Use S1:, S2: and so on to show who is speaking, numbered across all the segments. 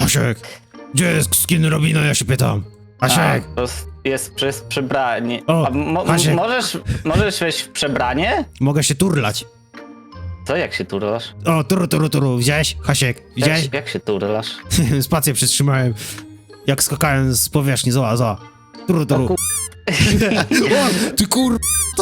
S1: Asiek, gdzie jest skin Robina, ja się pytam. Asiek.
S2: To jest przez przebranie.
S1: O, Asiek.
S2: Możesz wejść w przebranie?
S1: Mogę się turlać.
S2: Co, jak się turlasz?
S1: O, turu. Widziałeś? Hasiek, widziałeś?
S2: Jak się turlasz?
S1: Spację przytrzymałem. Jak skakałem z powierzchni, zła. Turu.
S2: O,
S1: O, ty kur...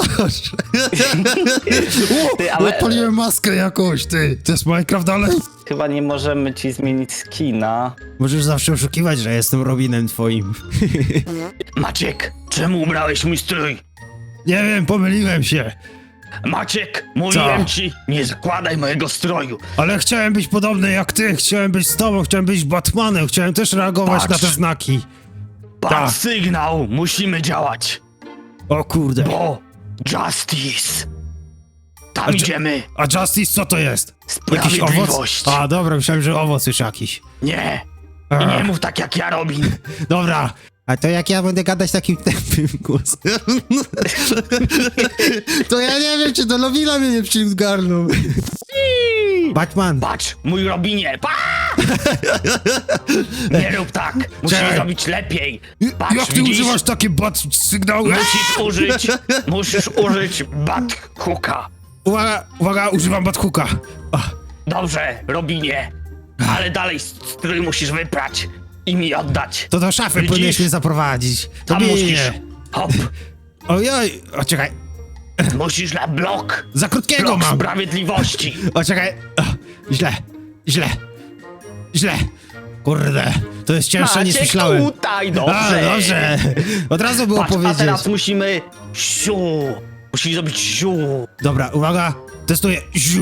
S2: Ty, ale
S1: Odpaliłem maskę jakąś, ty. To jest Minecraft dalej?
S2: chyba nie możemy ci zmienić skina.
S1: Możesz zawsze oszukiwać, że jestem Robinem twoim.
S3: Maciek, czemu ubrałeś mój strój?
S1: Nie wiem, pomyliłem się.
S3: Maciek, mówiłem
S1: Co?
S3: ci, nie zakładaj mojego stroju.
S1: Ale chciałem być podobny jak ty, chciałem być z tobą, chciałem być Batmanem, chciałem też reagować
S3: Patrz.
S1: na te znaki.
S3: Patrz
S1: Tak.
S3: sygnał, musimy działać.
S1: O kurde.
S3: Bo Justice. Tam
S1: A czy-
S3: idziemy.
S1: A Justice co to jest? Jakiś owoc?
S3: Sprawiedliwość.
S1: A dobra, myślałem, że owoc już jakiś.
S3: Nie. I
S1: Ach.
S3: nie mów tak jak ja, Robin.
S1: Dobra. A to jak ja będę gadać takim tępym głosem? To ja nie wiem, czy do Lowila mnie nie przygarnął. Batman.
S3: Patrz, mój Robinie. Nie rób tak. Musisz
S1: Czekaj.
S3: zrobić lepiej. Patrz,
S1: Jak ty
S3: widzisz?
S1: używasz takie bat sygnały?
S3: Musisz użyć bat hooka.
S1: Uwaga, używam Bathooka.
S3: Dobrze, Robinie. Ale dalej strój musisz wyprać i mi oddać.
S1: To do szafy
S3: Widzisz?
S1: powinieneś mnie zaprowadzić. To
S3: Tam
S1: mnie
S3: musisz.
S1: nie.
S3: Hop.
S1: Ojoj, o czekaj,
S3: Musisz na blok.
S1: za krótkiego
S3: Blok
S1: mam.
S3: sprawiedliwości.
S1: O czekaj, źle. Kurde, to jest cięższe niż
S3: Maciek,
S1: myślałem.
S3: tutaj, dobrze.
S1: Dobrze. Od razu było
S3: Patrz, a
S1: powiedzieć.
S3: teraz musimy... Siu. Musisz zrobić siu.
S1: Dobra, uwaga, testuję.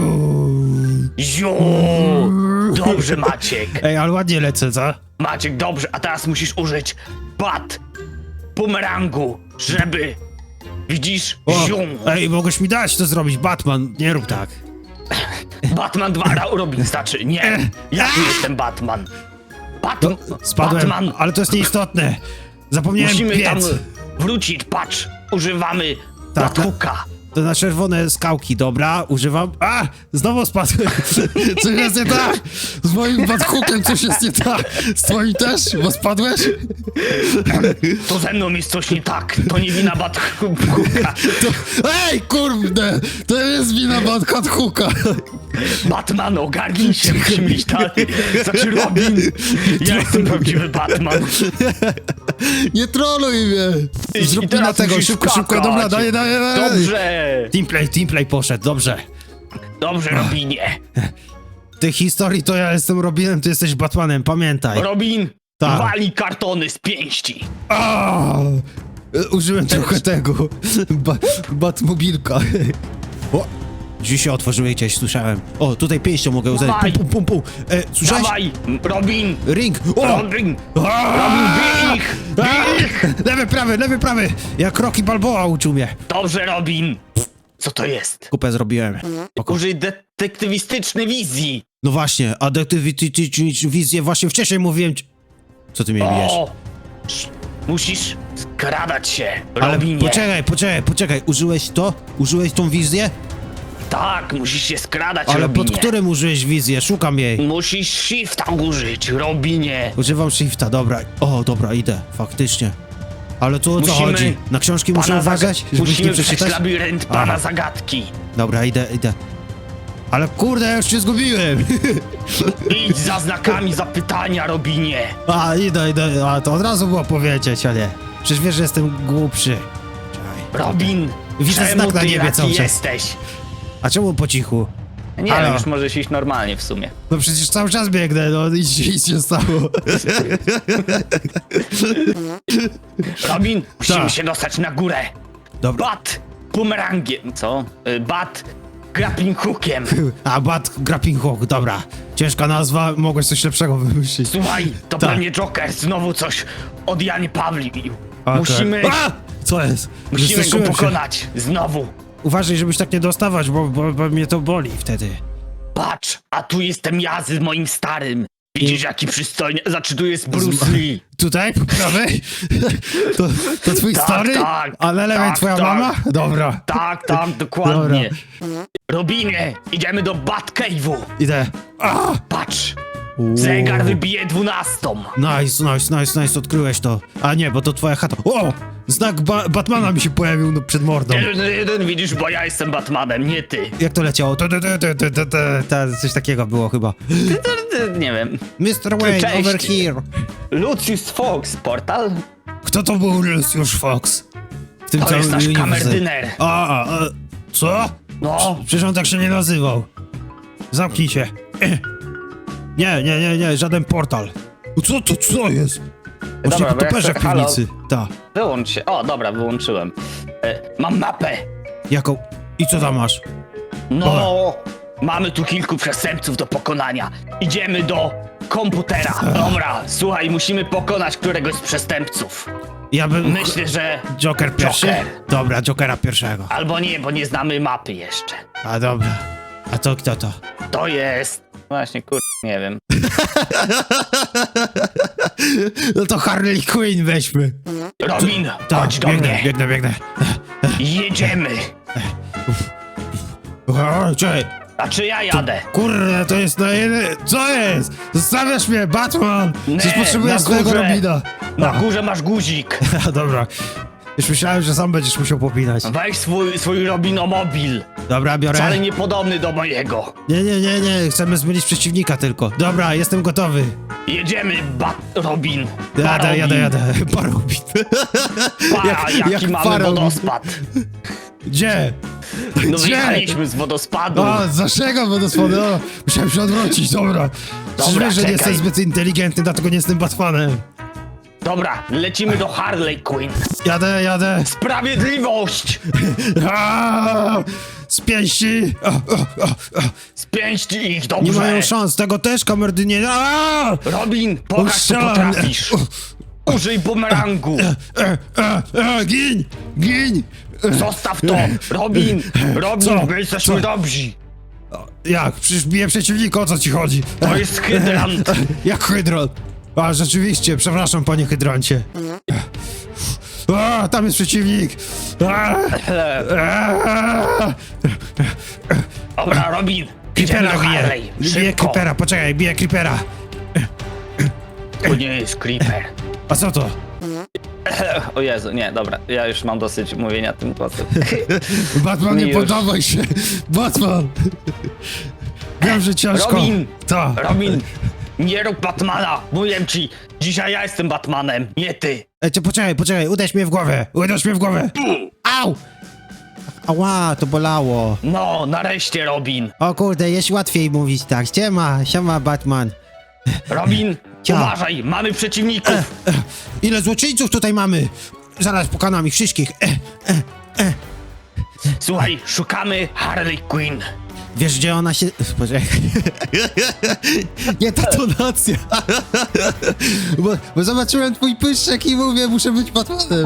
S3: Siu. Dobrze, Maciek.
S1: Ej, ale ładnie lecę, co?
S3: Maciek, dobrze. A teraz musisz użyć bat bumerangu, żeby... Widzisz?
S1: O,
S3: Siu.
S1: ej, mogłeś mi dać to zrobić, Batman, nie rób tak.
S3: Batman 2 Robin znaczy. Nie. Ja tu jestem Batman.
S1: Spadłem,
S3: Batman.
S1: ale to jest nieistotne. Zapomniałem
S3: Musimy
S1: piec.
S3: tam wrócić, patrz, używamy
S1: Tak,
S3: Bathooka.
S1: To na czerwone skałki, dobra, używam. A! Znowu spadłem! Coś jest nie tak! Z moim Bathookiem coś jest nie tak! Z twoim też? Bo spadłeś?
S3: To ze mną jest coś nie tak, to nie wina Bathooka.
S1: Ej, kurde! To jest wina Bathooka!
S3: Batman, ogarnij się, musimy iść dalej. Znaczy Robin, ja jestem prawdziwy Batman.
S1: Nie troluj mnie!
S3: I
S1: Zrób mi
S3: teraz
S1: na tego,
S3: musisz
S1: szybko,
S3: skakać.
S1: dobra, daję.
S3: Dobrze,
S1: Teamplay poszedł, dobrze.
S3: dobrze Robinie.
S1: W tej historii to ja jestem Robinem, ty jesteś Batmanem, pamiętaj.
S3: Robin,
S1: Tak.
S3: wali kartony z pięści.
S1: A! Użyłem trochę tego. Batmobilka. O! Drzwi się otworzyły gdzieś, słyszałem. O, tutaj pięścią mogę uderzyć.
S3: Dawaj.
S1: Pum. Słyszałeś?
S3: Dawaj, Robin,
S1: Ring! O!
S3: Robin, bij ich, bij ich.
S1: Lewy, prawy! Jak Rocky Balboa uczył mnie.
S3: Dobrze, Robin. Co to jest?
S1: Kupę zrobiłem. Spoko.
S3: Użyj detektywistycznej wizji.
S1: No właśnie, a wizję właśnie wcześniej mówiłem ci... Co ty mnie bijesz?
S3: O! Musisz skradać się,
S1: Ale
S3: Robinie.
S1: poczekaj, użyłeś to? Użyłeś tą wizję?
S3: Tak, musisz się skradać,
S1: Ale
S3: Robinie.
S1: pod którym użyłeś wizję? Szukam jej.
S3: Musisz shifta użyć, Robinie.
S1: Używam shifta, dobra. O, dobra, idę, faktycznie. Ale tu o co
S3: Musimy
S1: chodzi? Na książki muszę uważać, żebyś nie
S3: Musimy przejść
S1: przeczytać?
S3: labirynt pana
S1: Aha.
S3: zagadki.
S1: Dobra, idę. Ale kurde, ja już się zgubiłem.
S3: Idź za znakami zapytania, Robinie.
S1: A, idę. A, to od razu było powiedzieć, a nie. Przecież wiesz, że jestem głupszy. Czekaj.
S3: Robin,
S1: Widzę
S3: czemu
S1: znak na
S3: ty
S1: niebie
S3: taki
S1: cały czas.
S3: jesteś?
S1: A czemu po cichu?
S2: Nie
S1: Halo?
S2: wiem, już możesz iść normalnie w sumie.
S1: No przecież cały czas biegnę, no nic się stało.
S3: Robin, musimy
S1: Tak.
S3: się dostać na górę.
S1: Dobra.
S3: Bat bumerangiem.
S2: Co?
S3: Bat grappling hookiem.
S1: A, Grappling Hook, dobra. Ciężka nazwa, mogłeś coś lepszego wymyślić.
S3: Słuchaj, to
S1: Tak.
S3: pewnie Joker znowu coś od Jany Pawlił.
S1: Okej.
S3: Musimy
S1: Co jest?
S3: go
S1: Wystraszyłem się.
S3: pokonać. Znowu.
S1: Uważaj, żebyś tak nie dostawać, bo mnie to boli wtedy.
S3: Patrz, a tu jestem ja z moim starym. Widzisz, jaki przystojny. Znaczy, tu jest Bruce Lee.
S1: Tutaj, po prawej? To twój
S3: Tak,
S1: stary?
S3: tak,
S1: A na lewej
S3: tak,
S1: twoja
S3: tak.
S1: mama? Dobra,
S3: Tak, dokładnie. Robinie, idziemy do Batcave'u.
S1: idę. A!
S3: Patrz, Zegar wybije 12.
S1: Nice, odkryłeś to. A nie, bo to twoja chata. O! Znak Batmana mi się pojawił no, przed mordą.
S3: 1-1, widzisz, bo ja jestem Batmanem, nie ty.
S1: Jak to leciało? Coś takiego było chyba.
S2: Nie wiem.
S1: Mr. Wayne,
S2: Cześć.
S1: over here.
S2: Lucius Fox, portal?
S1: Kto to był Lucius Fox? W tym
S3: To jest nasz
S1: uniwersum.
S3: kamerdyner.
S1: Co?
S3: No,
S1: Przecież on tak się nie nazywał. Zamknij się. Nie, żaden portal. Co jest? Może
S2: Dobra, bo ja
S1: toperze
S2: chcę-
S1: w piwnicy. Ta.
S2: Wyłącz się. O, dobra, wyłączyłem.
S3: mam mapę.
S1: Jaką? I co tam masz?
S3: No, mamy tu kilku przestępców do pokonania. Idziemy do komputera. Dobra, słuchaj, musimy pokonać któregoś z przestępców.
S1: Ja bym...
S3: Myślę, że...
S1: Joker pierwszy?
S3: Joker.
S1: Dobra, Jokera pierwszego.
S3: Albo nie, bo nie znamy mapy jeszcze.
S1: A dobra. A to kto to?
S3: To jest...
S2: Właśnie, nie wiem.
S1: No to Harley Quinn weźmy.
S3: Robin,
S1: Tak,
S3: chodź do mnie.
S1: biegnę.
S3: Jedziemy.
S1: Czekaj.
S3: A czy ja jadę?
S1: Kurde, to jest na jeden... Co jest? Zostawiasz mnie, Batman! Przecież
S3: Nie,
S1: potrzebuję
S3: na
S1: swojego
S3: górze.
S1: Robina.
S3: Na górze masz guzik.
S1: Dobra. Już myślałem, że sam będziesz musiał popinać.
S3: Weź swój Robinomobil.
S1: Dobra, biorę.
S3: Wcale niepodobny do mojego.
S1: Nie, chcemy zmylić przeciwnika tylko. Dobra, jestem gotowy.
S3: Jedziemy, Robin.
S1: Jadę. Parobin.
S3: Jaki mamy
S1: parobin.
S3: wodospad.
S1: Gdzie?
S3: No
S1: Gdzie?
S3: wyjechaliśmy z wodospadu.
S1: O, z naszego wodospadu. O, musiałem się odwrócić, dobra. Przecież
S3: Dobra,
S1: wiesz, że nie
S3: czekaj.
S1: jestem zbyt inteligentny, dlatego nie jestem Batmanem.
S3: Dobra, lecimy do Harley Quinn.
S1: Jadę.
S3: Sprawiedliwość!
S1: Z pięści.
S3: Spięść ich,
S1: Nie
S3: dobrze.
S1: mają szans, tego też kamerdynie.
S3: Robin, pokaż co
S1: Strzelam.
S3: potrafisz. Użyj bumerangu.
S1: Gin.
S3: Zostaw to. Robin,
S1: Co?
S3: my jesteśmy
S1: Co?
S3: dobrzy.
S1: Jak? Przecież biję przeciwnika, o co ci chodzi?
S3: To jest hydrant.
S1: Jak hydron? A, rzeczywiście, przepraszam, panie hydrancie. Tam jest przeciwnik.
S3: Dobra, Robin, idziemy
S1: Creepera
S3: do
S1: bije.
S3: Harley.
S1: Biję
S3: Szybko.
S1: Creepera, poczekaj, biję Creepera.
S3: To nie jest Creeper.
S1: A co to?
S2: O Jezu, nie, dobra. Ja już mam dosyć mówienia tym głosem.
S1: Batman, nie
S2: Już.
S1: poddawaj się. Batman. Wiem, że ciężko.
S3: Robin.
S1: Ta.
S3: Robin, nie rób Batmana. Mówię ci, dzisiaj ja jestem Batmanem, nie ty.
S1: Poczekaj, uderz mnie w głowę. Au! Ała, to bolało.
S3: No, nareszcie, Robin.
S1: O kurde, jest łatwiej mówić tak. Siema Batman.
S3: Robin,
S1: Cia.
S3: uważaj, mamy przeciwników.
S1: Ile złoczyńców tutaj mamy? Zaraz pokonam ich wszystkich.
S3: Słuchaj, szukamy Harley Quinn.
S1: Wiesz, gdzie ona się... Poczekaj. Nie ta tonacja. Bo zobaczyłem twój pyszczek i mówię, muszę być Batmanem.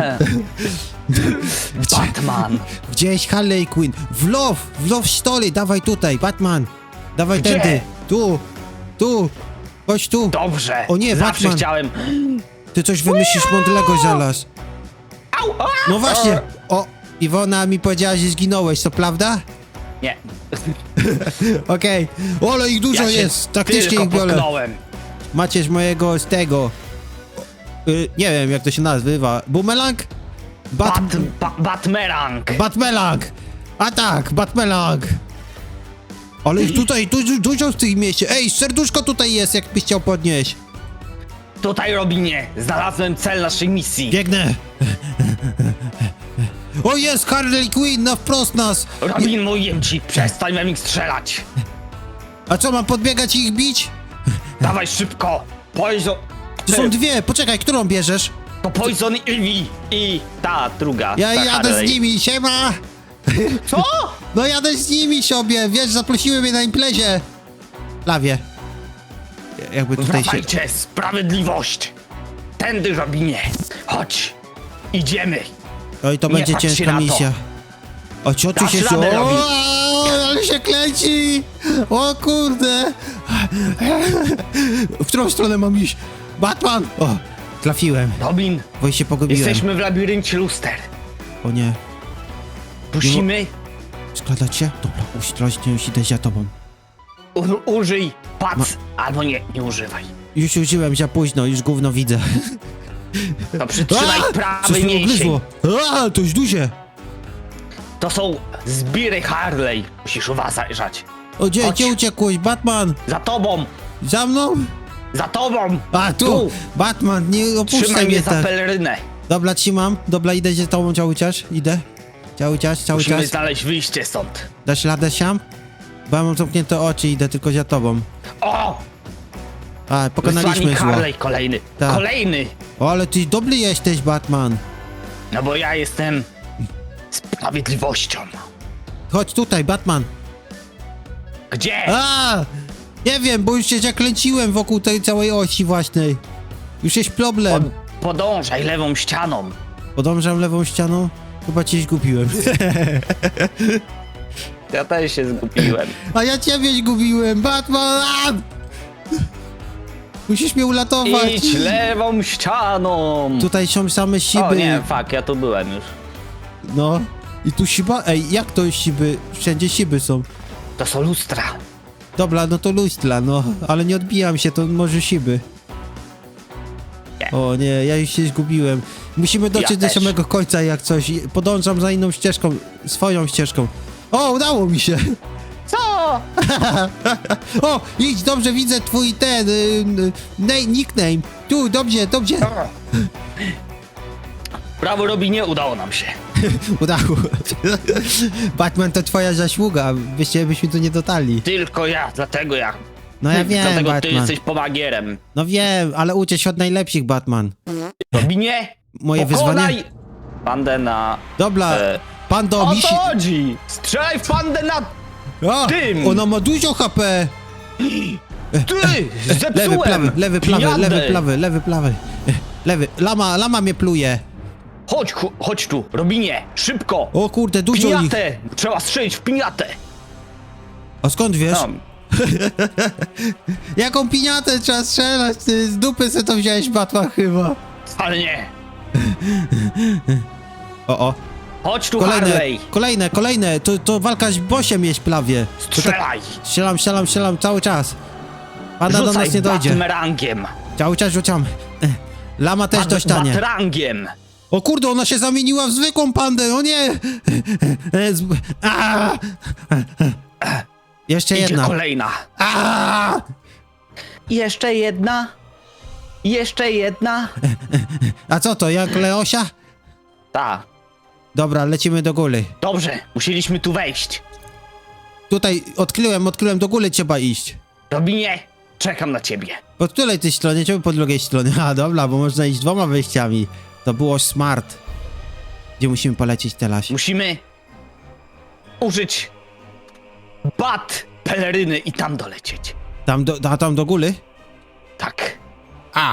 S3: Batman.
S1: Gdzieś Harley Quinn. W Love Story, dawaj tutaj, Batman. Dawaj
S3: Gdzie?
S1: tędy. Tu. Chodź tu.
S3: Dobrze.
S1: O nie,
S3: zawsze
S1: Batman.
S3: chciałem.
S1: Ty coś wymyślisz mądrego zaraz.
S3: Au, a!
S1: No właśnie. O, Iwona mi powiedziała, że zginąłeś, to prawda?
S2: Nie.
S1: Okej. Ale ich dużo
S3: Ja się
S1: jest. Taktycznie
S3: tylko
S1: ich biorę.
S3: potknąłem.
S1: Macie z mojego, z tego. Nie wiem, jak to się nazywa. Bumelang?
S3: Batmerang.
S1: Batmelang! A tak, Batmelang! Ale ich tutaj dużo w tym mieście. Ej, serduszko tutaj jest, jakbyś chciał podnieść.
S3: Tutaj, Robinie, znalazłem cel naszej misji.
S1: Biegnę. O, jest Harley Quinn, na wprost nas.
S3: Robin, mówię ci, przestań we mnie strzelać.
S1: A co, mam podbiegać i ich bić?
S3: Dawaj szybko. Poison...
S1: To są dwie, poczekaj, którą bierzesz?
S3: To Poison Ivy.
S2: I ta druga.
S1: Ja
S2: ta
S1: jadę
S2: Harley.
S1: z nimi, siema!
S3: Co?
S1: No jadę z nimi sobie, wiesz, zaprosiły mnie na imprezie. Lawie. Jakby tutaj się...
S3: Wracajcie, sprawiedliwość. Tędy, Robinie. Chodź. Idziemy.
S1: Oj, to
S3: Nie
S1: będzie
S3: patrz się
S1: ciężka
S3: na to.
S1: misja. O, co tu
S3: Dasz
S1: się...
S3: radę, Robi.
S1: Ale się klęci! O kurde! W którą stronę mam iść? Batman! O, trafiłem,
S3: Robin,
S1: bo się pogubiłem.
S3: jesteśmy w labiryncie luster.
S1: O nie,
S3: Pusimy?
S1: składać się? Dobra, ostrożnie, już idę za tobą.
S3: Użyj pac, albo nie używaj.
S1: Już użyłem za późno, już gówno widzę.
S3: To przytrzymaj
S1: Coś
S3: prawy
S1: mnie
S3: mięsień.
S1: ugryzło. To już duże.
S3: To są zbiry Harley. Musisz uważać.
S1: O, gdzie
S3: Chodź.
S1: uciekłeś? Batman!
S3: Za tobą!
S1: Za mną?
S3: Za tobą!
S1: A, tu! Batman, nie
S3: Trzymaj
S1: opuszczaj
S3: mnie
S1: mnie
S3: za
S1: tak.
S3: pelerynę.
S1: Dobra, trzymam. Dobra, idę za tobą cały czas. Idę. Cały czas.
S3: Musimy znaleźć wyjście stąd.
S1: Dasz radę siam? Bo ja mam zamknięte oczy, idę tylko za tobą.
S3: O!
S1: A, pokonaliśmy
S3: Wysłannik
S1: zło.
S3: Harley kolejny.
S1: Tak.
S3: Kolejny!
S1: O, ale ty dobry jesteś, Batman.
S3: No bo ja jestem sprawiedliwością.
S1: Chodź tutaj, Batman.
S3: Gdzie?
S1: A! Nie wiem, bo już się zakręciłem wokół tej całej osi własnej. Już jest problem.
S3: Podążaj lewą ścianą.
S1: Podążam lewą ścianą. Chyba cię zgubiłem.
S2: Ja też się zgubiłem.
S1: A ja ciebie zgubiłem, Batman! A! Musisz mnie uratować.
S2: Idź lewą ścianą!
S1: Tutaj są same siby.
S2: O nie, fuck, ja tu byłem już.
S1: No. I tu siba? Ej, jak to siby? Wszędzie siby są.
S3: To są lustra.
S1: Dobra, no to lustra, no. Ale nie odbijam się, to może siby.
S3: Nie.
S1: O nie, ja już się zgubiłem. Musimy dotrzeć
S3: Ja
S1: do
S3: też.
S1: samego końca jak coś. Podążam za inną ścieżką, swoją ścieżką. O, udało mi się.
S3: Co?
S1: O, idź, dobrze widzę twój ten, nickname. Tu, dobrze, dobrze.
S3: Brawo robi, nie udało nam się.
S1: Udało. Batman to twoja zasługa, byśmy tu nie dotarli.
S3: Tylko ja, dlatego ja.
S1: No ja wiem,
S3: Dlatego ty
S1: Batman.
S3: jesteś pomagierem.
S1: No wiem, ale uczę się od najlepszych, Batman.
S3: Robinie,
S1: Moje
S3: pokonaj!
S1: wyzwanie?
S2: Bandę na...
S1: Dobra, Pando,
S3: O
S1: misi...
S3: to chodzi! Strzelaj w pandę na...
S1: A,
S3: tym!
S1: ona ma dużo HP.
S3: Ty!
S1: Lewy,
S3: Zepsułem!
S1: prawy, lewy, prawy,
S3: Pijadę.
S1: lewy, prawy, lewy, prawy. Lewy, lama mnie pluje.
S3: Chodź tu, Robinie, szybko!
S1: O kurde, dużo ich.
S3: Piniatę! Trzeba strzelić w piniatę!
S1: A skąd wiesz?
S2: No,
S1: Jaką piniatę trzeba strzelać? Ty z dupy se to wziąłeś, Batman, chyba.
S3: Ale nie!
S1: O.
S3: Chodź tu,
S1: Kolejne,
S3: Harley!
S1: kolejne. To walka z bosiem jest prawie. To tak-
S3: Strzelaj!
S1: Strzelam cały czas. Panda do
S3: Rzucaj
S1: nas nie dojdzie.
S3: batmerangiem!
S1: Cały czas rzucam. Lama też dostanie.
S3: Batrangiem!
S1: O kurde, ona się zamieniła w zwykłą pandę, o nie! A! Jeszcze
S3: Idzie
S1: jedna.
S3: kolejna!
S1: A!
S3: Jeszcze jedna! Jeszcze jedna!
S1: A co to, jak Leosia?
S2: ta.
S1: Dobra, lecimy do góry.
S3: Dobrze, musieliśmy tu wejść.
S1: Tutaj odkryłem, do góry trzeba iść.
S3: Robinie, czekam na ciebie.
S1: Po której tej stronie, czemu po drugiej stronie? A dobra, bo można iść dwoma wejściami. To było smart. Gdzie musimy polecieć teraz?
S3: Musimy użyć peleryny i tam dolecieć.
S1: Tam do góry?
S3: Tak.
S1: A!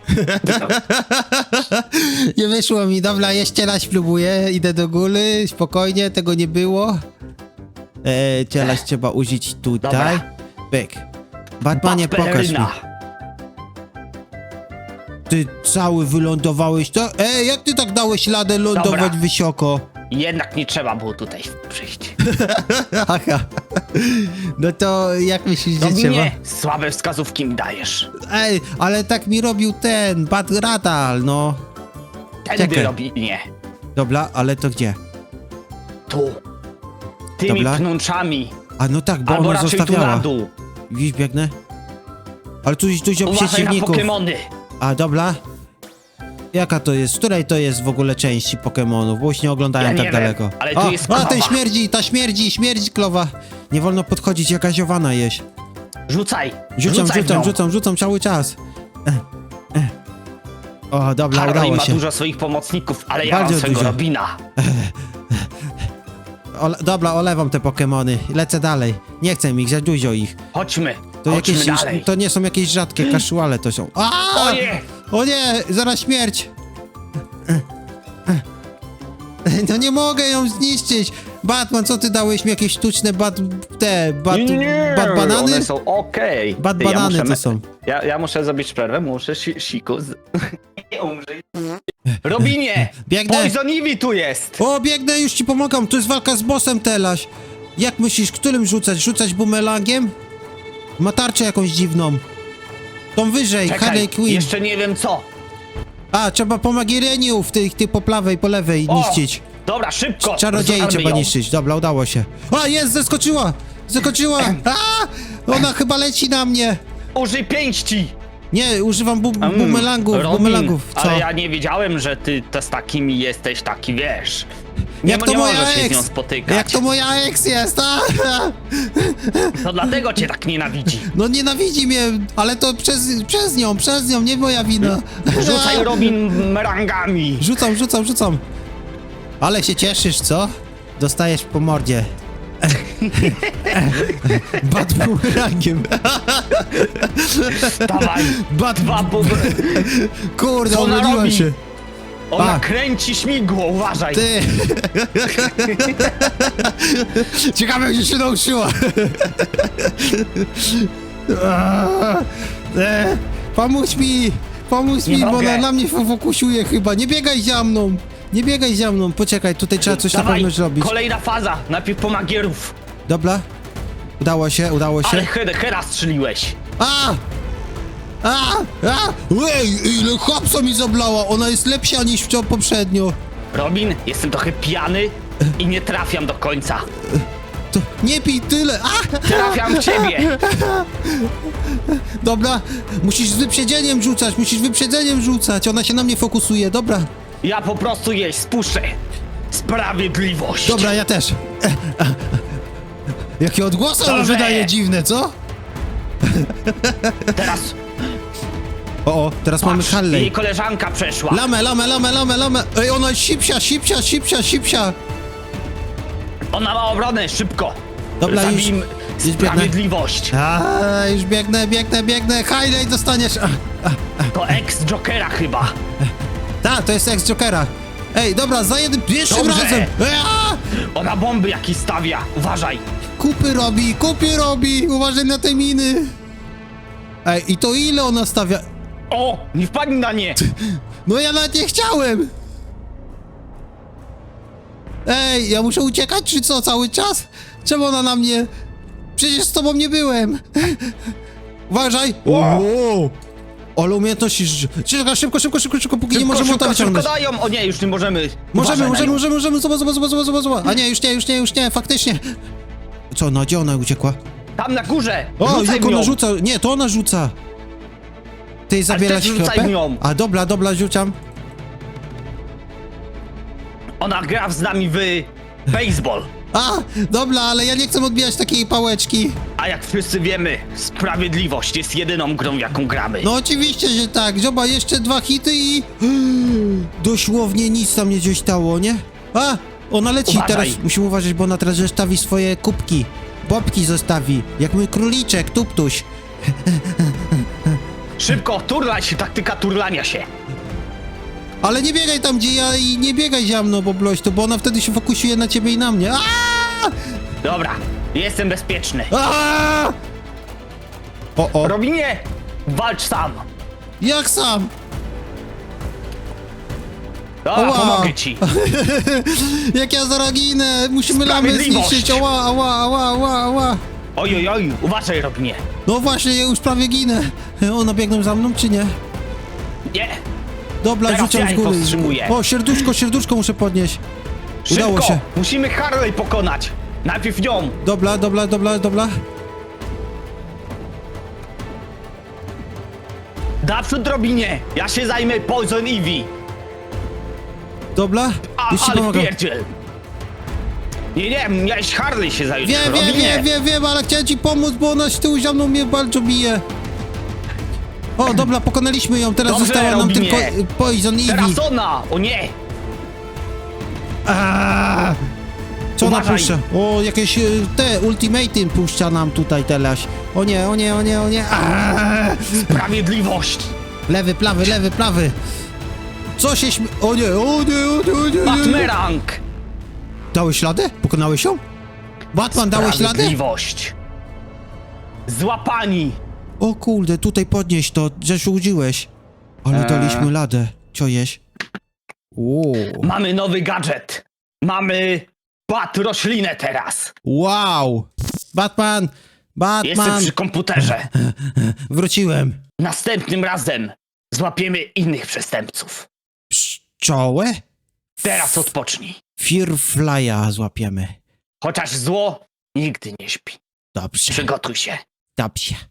S1: Nie wyszło mi, dobra, jeszcze raz spróbuję, idę do góry, spokojnie, tego nie było. Teraz trzeba użyć tutaj.
S3: Dobra.
S1: Pyk. Batmanie, pokaż mi.
S3: Peleryna.
S1: Ty cały wylądowałeś, to? Jak ty tak dałeś radę lądować
S3: Dobra.
S1: wysoko?
S3: Jednak nie trzeba było tutaj przyjść.
S1: Aha. No to jak myślisz, że trzeba?
S3: Robinie, słabe wskazówki mi dajesz.
S1: Ej, ale tak mi robił ten, Bat Radal, no.
S3: Tędy
S1: Czekaj.
S3: Robinie.
S1: Dobra, ale to gdzie?
S3: Tu. Tymi
S1: Dobra.
S3: pnączami.
S1: A no tak, bo
S3: Albo
S1: ona
S3: raczej tu na
S1: zostawiała.
S3: dół.
S1: Widzisz, biegnę? Ale tu jest dużo
S3: Uważaj na
S1: przeciwników.
S3: Pokemony.
S1: A, dobra. Jaka to jest? Z której to jest w ogóle części Pokemonów? Bo już nie oglądałem
S3: Ja nie
S1: tak
S3: wiem,
S1: daleko.
S3: ale tu jest
S1: ten
S3: krowa.
S1: śmierdzi, śmierdzi klowa. Nie wolno podchodzić, jakaś owana jeść.
S3: Rzucaj.
S1: Rzucam cały czas. O, dobra,
S3: Harley
S1: udało
S3: ma
S1: się.
S3: dużo swoich pomocników, ale ja
S1: Bardzo
S3: mam swojego
S1: dużo.
S3: Robina.
S1: Dobra, olewam te Pokemony. Lecę dalej. Nie chcę ich, za dużo ich.
S3: Chodźmy.
S1: To,
S3: Chodźmy
S1: jakieś,
S3: dalej.
S1: to nie są jakieś rzadkie casuale, to są. A!
S3: Oje!
S1: O nie, zaraz śmierć! No nie mogę ją zniszczyć! Batman, co ty dałeś mi jakieś sztuczne
S2: Nie,
S1: banany?
S2: one są okej.
S1: Bat
S2: Ty, ja
S1: banany
S2: muszę
S1: to są.
S2: Ja muszę zrobić przerwę, muszę siku. Nie umrzyj.
S3: Robinie!
S1: Biegnę.
S3: Poison Ivy tu jest!
S1: O, biegnę, już ci pomagam, to jest walka z bossem teraz. Jak myślisz, którym rzucać? Rzucać bumerangiem? Ma tarczę jakąś dziwną. Tą wyżej, Harley
S3: Czekaj,
S1: Quinn.
S3: jeszcze nie wiem co.
S1: A, trzeba po Magireniu tych po prawej, po lewej
S3: O!
S1: niszczyć.
S3: Dobra, szybko.
S1: Czarodziei
S3: Rozwalmy
S1: trzeba
S3: ją.
S1: niszczyć. Dobra, udało się. A, jest, zeskoczyła! Zeskoczyła! A! Ona chyba leci na mnie.
S3: Użyj pięści.
S1: Nie, używam bumerangów,
S3: Robin,
S1: bumerangów. Co?
S3: ale ja nie wiedziałem, że ty z takimi jesteś taki, wiesz.
S1: Jak to
S3: nie
S1: moja
S3: możesz się z
S1: ex?
S3: nią spotykać.
S1: Jak to moja ex jest, a?
S3: To dlatego cię tak nienawidzi.
S1: No nienawidzi mnie, ale to przez nią, nie moja wina.
S3: Rzucaj Robin merangami.
S1: Rzucam. Ale się cieszysz, co? Dostajesz po mordzie. Bat bumerangiem.
S3: Dawaj.
S1: Bat,
S3: Dwa po...
S1: kurde,
S3: Co ona
S1: odrodziła
S3: robi?
S1: się.
S3: Ona
S1: A.
S3: kręci śmigło, uważaj.
S1: Ty. Ciekawe, gdzie się nauczyła. Pomóż mi,
S3: Nie
S1: bo
S3: mogę.
S1: ona na mnie fokusuje chyba. Nie biegaj za mną. Poczekaj, tutaj trzeba coś na
S3: Dawaj,
S1: pewno zrobić.
S3: kolejna faza. Najpierw po magierów.
S1: Dobra. Udało się.
S3: Ale Hera strzeliłeś.
S1: A! Ej, ile hapsa mi zablała! Ona jest lepsza niż poprzednio.
S3: Robin, jestem trochę pijany i nie trafiam do końca.
S1: To nie pij tyle! A!
S3: Trafiam w ciebie.
S1: Dobra, musisz z wyprzedzeniem rzucać, ona się na mnie fokusuje, dobra.
S3: Ja po prostu jej spuszczę. Sprawiedliwość.
S1: Dobra, ja też. Jakie odgłosy ona
S3: Dobrze.
S1: wydaje dziwne, co?
S3: Teraz
S1: O, teraz mamy
S3: patrz, jej
S1: Harley.
S3: koleżanka przeszła.
S1: Lamę. Ej, ona jest sipsia.
S3: Ona ma obronę, szybko.
S1: Dobra, już
S3: Zabijmy
S1: biegnę.
S3: sprawiedliwość.
S1: A, już biegnę. Harley, dostaniesz.
S3: To ex-Jokera chyba.
S1: Tak, to jest ex-Jokera. Ej, dobra, za jednym, pierwszym
S3: Dobrze.
S1: razem.
S3: Ona bomby jakieś stawia. Uważaj.
S1: Kupy robi, uważaj na te miny. Ej, i to ile ona stawia?
S3: O, nie wpadnij na nie.
S1: No ja nawet nie chciałem! Ej, ja muszę uciekać, czy co, cały czas? Czemu ona na mnie? Przecież z tobą nie byłem! Uważaj! Wow. Ale umiejętności... Czekaj, szybko, póki nie możemy to wyciągnąć.
S3: dają. O nie, już nie możemy.
S1: Możemy,
S3: Uważaj na nią.
S1: zobacz. A nie, już nie, faktycznie. Co, no gdzie ona uciekła?
S3: Tam na górze.
S1: O,
S3: Rzucaj
S1: jak
S3: w nią.
S1: ona rzuca, nie, to ona rzuca. Ty zabierasz
S3: też rzucaj
S1: chlopę?
S3: w nią.
S1: A dobra, rzucam.
S3: Ona gra z nami w baseball.
S1: A, dobra, ale ja nie chcę odbijać takiej pałeczki.
S3: A jak wszyscy wiemy, sprawiedliwość jest jedyną grą, w jaką gramy.
S1: No oczywiście, że tak. Zobacz, jeszcze 2 hity i... Dosłownie nic tam nie gdzieś stało, nie? A, ona leci.
S3: Uważaj.
S1: Teraz musimy uważać, bo ona teraz zostawi swoje kubki. Bobki zostawi. Jak mój króliczek, tuptuś.
S3: Szybko, turlaj się, taktyka turlania się.
S1: Ale nie biegaj tam, gdzie ja i nie biegaj za mną, bo bloś, bo ona wtedy się fokusuje na ciebie i na mnie.
S3: Dobra, jestem bezpieczny.
S1: O,
S3: Robinie, walcz sam.
S1: jak sam?
S3: Dobra,
S1: Ała.
S3: pomogę ci.
S1: Jak ja zaraz ginę, musimy lamy
S3: Sprawiedliwość.
S1: zniszczyć, ała.
S3: Oj, uważaj, Robinie.
S1: No właśnie, ja już prawie ginę. Ona biegną za mną, czy nie?
S3: Nie,
S1: Dobra,
S3: Teraz
S1: rzucam
S3: ja
S1: z
S3: ich
S1: góry.
S3: powstrzymuję.
S1: O, serduszko muszę podnieść.
S3: szybko.
S1: Udało się.
S3: Musimy Harley pokonać. Najpierw ją.
S1: Dobra.
S3: Naprzód, Robinie. Ja się zajmę Poison Ivy.
S1: Dobra, już ci
S3: Ale
S1: pomagam.
S3: wpierdziel. Nie, miałeś Harley się zająć. Robinie.
S1: Wiem, ale chciałem ci pomóc, bo ona z tyłu za mną mnie bardzo bije. O, dobra, pokonaliśmy ją, teraz
S3: Dobrze,
S1: została nam
S3: Robinie.
S1: tylko Poison Ivy.
S3: Teraz ona. O nie.
S1: Aaaa! Co ona
S3: Uważaj.
S1: puszcza? O, jakieś te ultimaty puszcza nam tutaj teraz. O nie. Aaaa!
S3: Sprawiedliwość.
S1: Lewy, plawy. Co się O nie.
S3: Batmerang.
S1: Dałeś ślady? Pokonałeś ją? Batman, dałeś ślady?
S3: Sprawiedliwość. Złapani.
S1: O kurde, tutaj podnieś to, zasłużyłeś. Ale daliśmy ladę. Co jeś?
S3: Mamy nowy gadżet. Mamy bat roślinę teraz.
S1: Wow! Batman,
S3: Jestem
S1: Batman!
S3: przy komputerze.
S1: Wróciłem.
S3: Następnym razem złapiemy innych przestępców.
S1: Pszczołę?
S3: Teraz odpocznij.
S1: Firefly'a złapiemy.
S3: Chociaż zło nigdy nie śpi.
S1: Dobrze,
S3: Przygotuj się.
S1: dobrze.